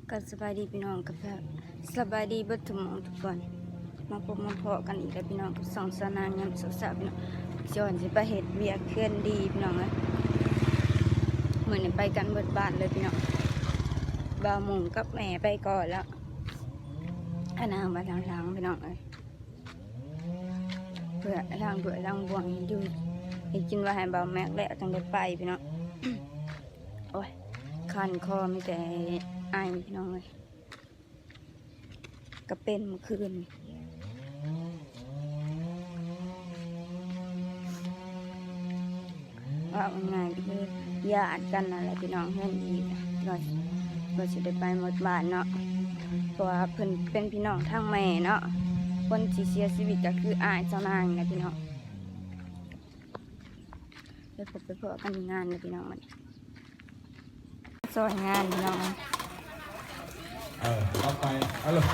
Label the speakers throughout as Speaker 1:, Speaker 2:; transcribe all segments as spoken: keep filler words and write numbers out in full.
Speaker 1: ก็สบายดีพี่น้องกับแบบสบายดีเบิดทุกหมองทุกคนมาพบมาพอกันอีกแล้วพี่น้องกับสองสาวนางยามสาวๆพี่น้องจอนสิไปเฮ็ดเวียกเคลื่อนดีพี่น้องเอ้ยมื้อนี้ไปกันเบิดบ้านเลยพี่น้องบ่าวหมุงกับแม่ไปก่อนแล้วอันนั้นมาทางหลังพี่น้องเอ้ยเพื่อทางเพื่อทางบวงอยู่ให้กินว่าให้บ่าวแม็กแล้วจังได้ไปพี่น้อง โอ้ยคันคอมีแต่ไอพี่น้องเลยก็เป็นเมื่อคืนว่าง่ายๆก็คือญาติกันอะไรพี่น้องเพื่อนอีกเราเราจะได้ไปหมดบ้านเนาะเพราะว่าเพิ่นเป็นพี่น้องทางแม่เนาะคนที่เสียชีวิตก็คืออายเจ้านางนะพี่น้องไปพบไปพบกันงานนะพี่น้องมันสวยงานพี่น้อง
Speaker 2: เออต่อไปเอาเลย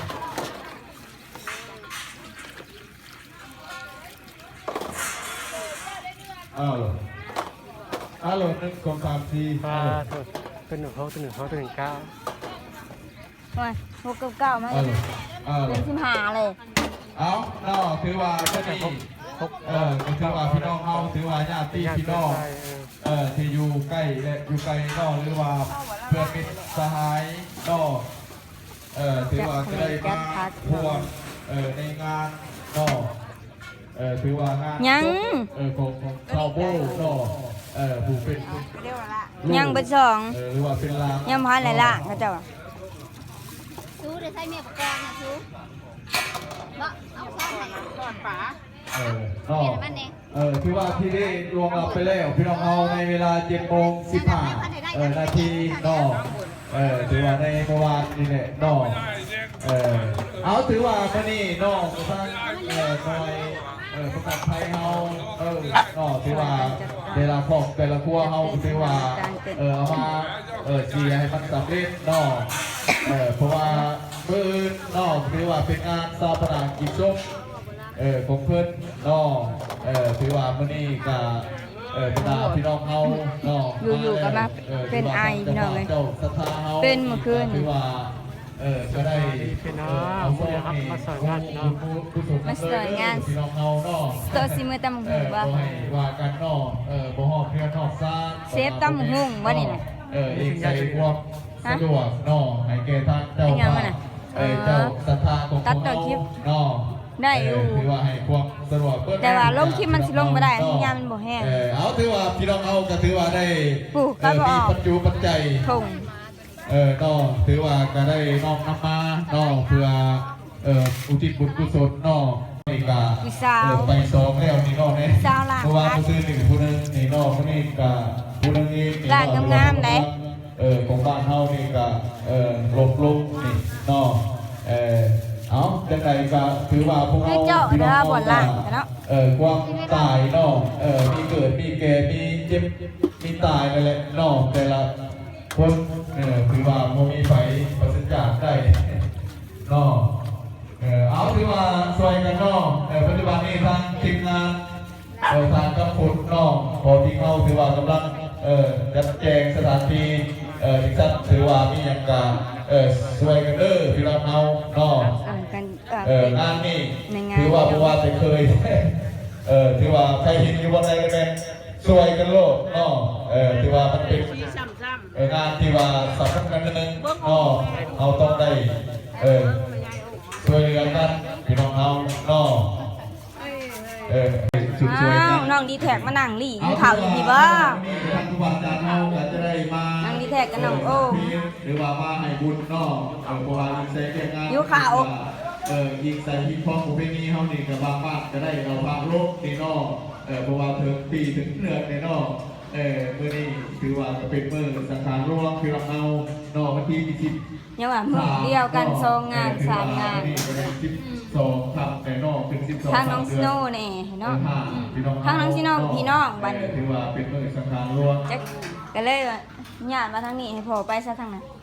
Speaker 2: เอาเลยเอาเลยหนึ่งสองสามสี่
Speaker 3: ปลาตัวตัวหนึ่งเขาตัวหนึ่งเขาตัวหนึ่งเก้า
Speaker 1: ว่าหกเก้ามา
Speaker 2: เอาเลยเอาเล
Speaker 1: เป็
Speaker 2: ย
Speaker 1: นสิบห้าเลย
Speaker 2: เอาเนาะถือว่าก็ดีเออถือว่าพี่น้องเอาถือว่าญาติพี่น้องเออที่อยู่ใกล้และอยู่ไกลนอกหรือว่าเพื่อนมิตรสหายนอกเออถือว่าจะได้มาพวงเออในงานนอกเออถือว่างาน
Speaker 1: ยัง
Speaker 2: เออของของชาวโบ้นอกเออผู้เป็น
Speaker 1: ยังเป็นสอง
Speaker 2: เออหรือว่าเป็นลาง
Speaker 1: ยังพันหลายล่างเขาเจ้า
Speaker 4: ซูได้ใช้เมียประกอบนะซูบ่เอาซ่อนไหนก่อนป๋า
Speaker 2: เออนอกเออที่ว่าที่ได้รวมเราไปแล้วพี่น้องเอาในเวลาเจ็ดโมงสิบห้าเออนาทีนอกเออถือว่าในเมื่อวานนี่แหละนอกเออเอาถือว่าเมื่อนี้นอกทางเออหน่อยเออประกาศไทยเฮาเออนอกถือว่าเวลาของแต่ละครัวเฮาถือว่าเออเอามาเออเชียร์ให้มันสำเร็จนอกเออเพราะว่ามือนอกถือว่าเป็นงานซาปนากิจศพเออของเพื่อนนอกเออถือว่ามื่อนี้ก็เออเป็นพี่น้องเฮาเนาะ
Speaker 1: อยู่ๆก็มาเป็นไอพี่น้องเลยเป็นเมื่อคืน
Speaker 2: ถือว่าเออก็ได้
Speaker 3: เป็นน้าผู้ได้รับมาสอนงานเนาะ
Speaker 1: มาสอนงาน
Speaker 2: พี่น้องเฮาเนาะ
Speaker 1: ตัวซีมือตำหุ่งบ่
Speaker 2: ว่ากันเนาะเออบ่ฮอดเพื่อนนอกซ่า
Speaker 1: เซฟตำหุ่งบ่นี่น่ะ
Speaker 2: เอออีกใจความสะดวกเนาะให้แก่ทางเจ้าเออเจ้าศรัทธาของเขาเนาะ
Speaker 1: ได้อยู่
Speaker 2: ถือว่าให้ความสะดวก
Speaker 1: แต่ว่าลงคลิปมันสิลงไม่ได้ที่ยามมันบ่แห้ง
Speaker 2: เออเอาถือว่าพี่น้องเอาก็ถือว่าได้มีปัจจุปัจจัย
Speaker 1: ถุง
Speaker 2: เออก็ถือว่าก็ได้น้อมนำมาเนาะเพื่อเอ่ออุทิศบุญกุศลเนาะนี่ก็เออไปสองแล้วนี่เนาะเนี่ยเพราะว่าผู้ซื้อหนึ่งผู้นึงนี่เนาะผู้นี้ก็ผู้นึงเองนี่เนาะ
Speaker 1: งามๆเลย
Speaker 2: เออของบ้านเฮานี่ก็เออลบลงนี่เนาะเออเอาจังไดก็ถือว่าพวกเราพี่น้องเราเออความตายเนาะเออมีเกิดมีแก่มีเจ็บมีตายนั่นแหละเนาะแต่ละคนเออถือว่าโมมีไฟประสิทธิ์จากได้เนาะเออเอาถือว่าสวยกันเนาะเออปัจจุบันนี้ทางทีมงานเออทางกำพุนเนาะพอที่เขาถือว่ากำลังเออจัดแจงสถานที่เออที่สั้นถือว่ามีอย่างการเออสวยกันเด้อพี่น้องเอาเนาะเอองานนี่ถือว่าเพราะว่าจะเคยเออถือว่าใครเห็นอยู่บนไหนกันแม่สวยกันโลกเนาะเออถือว่ามันเป็นเอองานที่ว่าสำคัญกันนึงเนาะเอาต้องได้เออช่วยเหลือกันพี่น้องเอาเนาะเออสุดสวยกัน
Speaker 1: น้องดีแท็กมานั่งลี่อยู่ข่าวอยู่ที่บ้า
Speaker 2: ทุกวันจันทร์เราจะได้มา
Speaker 1: นั่งดีแท็กกันน้องโอ้
Speaker 2: หรือว่ามาให้บุญเนาะเออเพราะว่าใส่เกี่ยงงาน
Speaker 1: อยู่ข่าว
Speaker 2: เออยิงใส่ยิงพองประเพณีเฮานี่กับบางบ้านจะได้เราพาโลกนี่เนาะเออเพราะว่าถึงปีถึงเดือนในเนาะเออมื้อนี้ถือว่าจะเป็นมื้อสังขารหลวงพี่น้องเฮาเนาะวันที่ยี่สิบ
Speaker 1: เนี่ยว่ามื้อเดียวกันสองงานสามงาน
Speaker 2: สิบสองครับแต่เนาะถึงสิบสอง
Speaker 1: ทางน้องซิโน่แน่เนาะทางน้องซิโน่พี่น้องบัดนี้
Speaker 2: ถือว่าเป็นมื้อสังขารหลวง
Speaker 1: จักก็เลยว่าญาติมาทางนี้ให้พ่อไปซะทางนั้น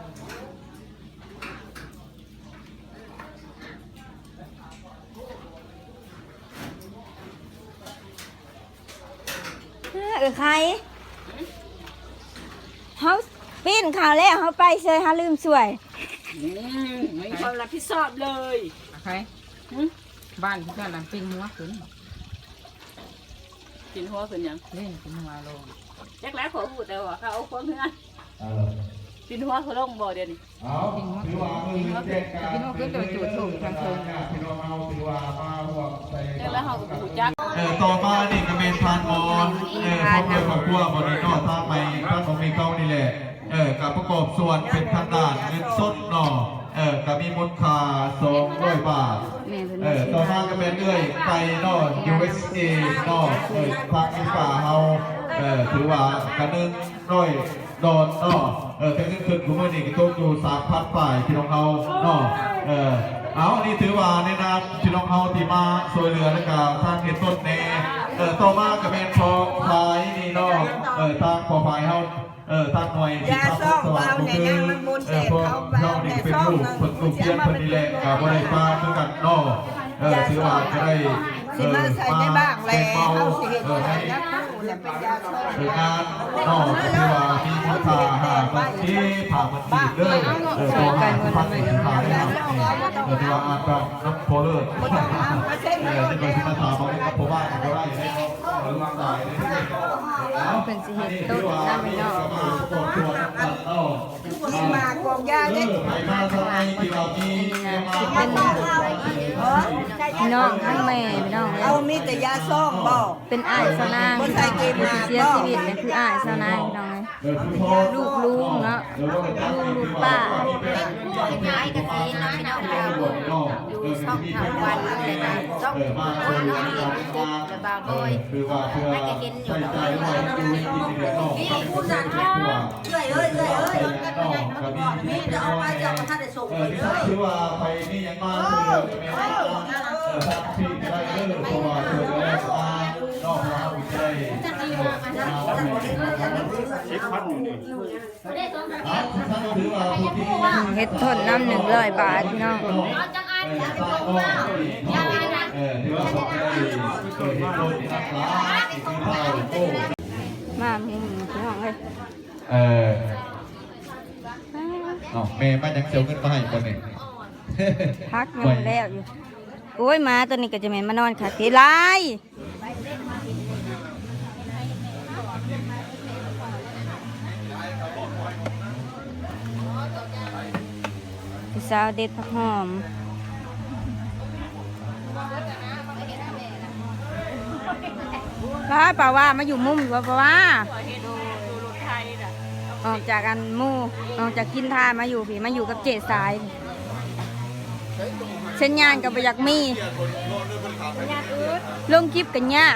Speaker 1: เออใครเขาปีนข่าวแล้วเขาไปเชยเขาลืมสวย
Speaker 5: อืมไม่มีความรับผิดชอบเลย
Speaker 6: ใครบ้านที่กำลังปิ้งหัวขึ้น
Speaker 5: กินหัวเป็นหยัง
Speaker 6: เล่นปิ้งหัวลง
Speaker 5: แจ็คแล้วขอพูดแต่ว่าเขาเอาความเพื่อน
Speaker 2: เออ
Speaker 5: กินหัวเขาลงบ่เดี๋ยวนี้
Speaker 2: เอาถือว่ามือแจ้งการ
Speaker 6: พี่น้องขึ้นตัวจุดถูกทางเชิง
Speaker 2: พี่น้องเอาถือว่ามาห่วงใส่
Speaker 5: แจ็คแล้วเขาก็พูดจัก
Speaker 2: เออต่อมานี่ก็เป็นทานมอนเออพวกเกี่ยวกับพวกบริโภคทางไปท่านของมีเก้านี่แหละเออกับประกอบส่วนเป็นทางด้านเงินสดเนาะเออกับมีมูลค่าสองร้อยบาท
Speaker 1: แม่เพิ่น
Speaker 2: เอ
Speaker 1: มา
Speaker 2: อ
Speaker 1: ซื้อ
Speaker 2: ต่อมาก็เป็นเรื่อยไปเนาะ ยู เอส เอ เนาะเออทางอีฝ่าเฮาเออถือว่ากระนึงร้อยดอนเนาะเออแต่เงินคืนของมันนี่ก็ตกอยู่สามพันฝ่ายพี่น้องเฮาเนาะเออเอานี่ถือว่าในนามพี่น้องเฮาที่มาช่วยเหลือและก็ทางเขตต้นแน่เออต่อมาก็เป็นพอพายนี่เนาะเออทางพอพายเฮาเออทางหน่วยที่ทำสว่างก็คือเออพวกเรานี่เป็นลูกฝึกลูกเยี่ยมคนนี้แหละกับบริฟ้าเหมือนกันเนาะเออถือว่าจะได้เออมาเป็นเบาเออให้เอองานเนาะถือว่ามีคุณค่าหามันที่ผ่ามันดีเลยเออตัวงานพันธุ์สินค้าได้ครับเออถือว่าอาจจะน้ำโพเลิศเออที่เป็นที่มาถามมาเนี่ยผมว่าผมก็ได้อยู่ในหรือวางสายในที่แล้ว
Speaker 1: เพิ่นสิเฮ็ดต้นน้ำไม่เนาะ
Speaker 2: มากองยาเนี่ยไปมาทำไมที่เรามี
Speaker 1: สิเป็นพี่น้องทั้งแม่พี่น้อง
Speaker 7: เอามีแต่ยาซ่องบ่
Speaker 1: เป็นอ้ายสาวนางพี่น้องผู้ที่เสียชีวิตเนี่ยคืออ้ายสาวนางพี่น้องลูกลุงเนาะลูกลูกป้า
Speaker 4: ย้ายกันทีนะพี่น้องเราอยู่ช่องทางวันเลยนะช่องโอ้ยน้องนี่ปุ๊บจะบางโดย
Speaker 2: คือว่าเพื่อใส่ใจไว้ดูให้กินเดือดนอก
Speaker 7: นี่ผู้จัดเอ้ยเอ้ยเอ้ยเอ้ยนี่จะเอาไปจะเอามาท่านได้ส่ง
Speaker 2: เอ
Speaker 7: ไป
Speaker 2: อที่
Speaker 7: เด้อ
Speaker 2: คือว่าไปนี่ยังมาเพื่อไม่ให้เออทางพี่ได้เลิกเพราะว่าเพื่อแรกมานอกเราใจถือว่าผู้ที่
Speaker 1: เฮ็ดต้นน้ำหนึ่งร้อยบาทพี่น้อง
Speaker 2: เออถือว่าผมได้เคยเห็นโลกที่รักษาที่คือเท่าโอ้
Speaker 1: มาหมู่พี่น้องเอ้ย
Speaker 2: เออเนาะแม่มายังเสียวเงินมาให้คนนี้
Speaker 1: พักยังบ่แล้วอยู่โอ้ยหมาตัวนี้ก็จะแม่นมานอนค่ะทีไรพี่สาวเด็ดผักหอมป้าป่าว่ามาอยู่มุมอยู่ว่าป่าว่าออกจากกันหมู่ออกจากกินทานมาอยู่พี่มาอยู่กับเจสายเส้นยานกับประยักมีลงคลิปกันยาก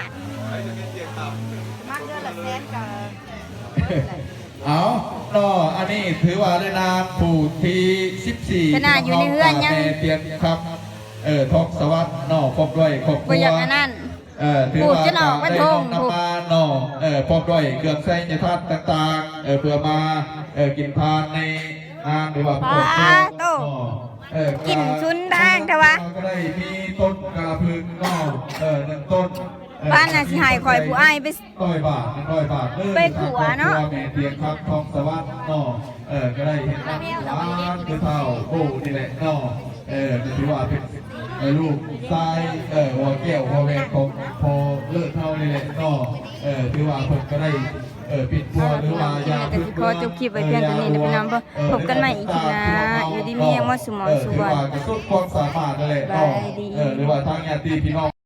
Speaker 2: เอาเนาะอันนี้ถือว่าได้นามผู้ที่สิบสี่
Speaker 1: ขนาดอยู่ในเฮือนยัง
Speaker 2: เตียนครับเออทอกสวัสดิ์เนาะพบด้วยครอบค
Speaker 1: ประ
Speaker 2: รัว
Speaker 1: ยักอันนั้น
Speaker 2: เออถือ
Speaker 1: ปลูก
Speaker 2: ว่า
Speaker 1: จะหนอกไว้
Speaker 2: ได้
Speaker 1: ท
Speaker 2: น้
Speaker 1: ง
Speaker 2: องนำมาเนาะเออพบด้วยเครื่องใช้ในทัดต่างๆเออเพื่อมาเออกินทานในงานหรือว่า
Speaker 1: ปลาโต
Speaker 2: เออ
Speaker 1: กินชุนทางแต่ว่า
Speaker 2: ก็ได้มีต้นกระพึงเนาะเออหนึ่งต้นเออ
Speaker 1: บ้านน่ะสิให้ข่อยผู้อ้ายไป
Speaker 2: ร้อยบาทหนึ่งร้อยบาทเลย
Speaker 1: ไปผัวเนาะ
Speaker 2: ทงครอบครัแม่เตียงครับทองสวัสดิ์เนาะเออก็ได้เห็นร้านคือเท่าโอ้นี่แหละเนาะเออถือว่าเป็นเออลูกทรายเออหัวแก้วหัวแหวนของพอเลิศเท่านี่แหละเนาะเออถือว่าเพิ่นก็ได้เออปิดบัวหรือว่ายา
Speaker 1: แต่สิขอจบคลิปไว้เพียงเท่านี้นะพี่น้องพบกันใหม่อีกทีนะอยู่ดีมีแรงว่าสมองสุวรรณ
Speaker 2: เออถือว่ากระสุดความสามารถนั่นแหละเนาะ
Speaker 1: บายดี
Speaker 2: เออหรือว่าทางญาติพี่น้อง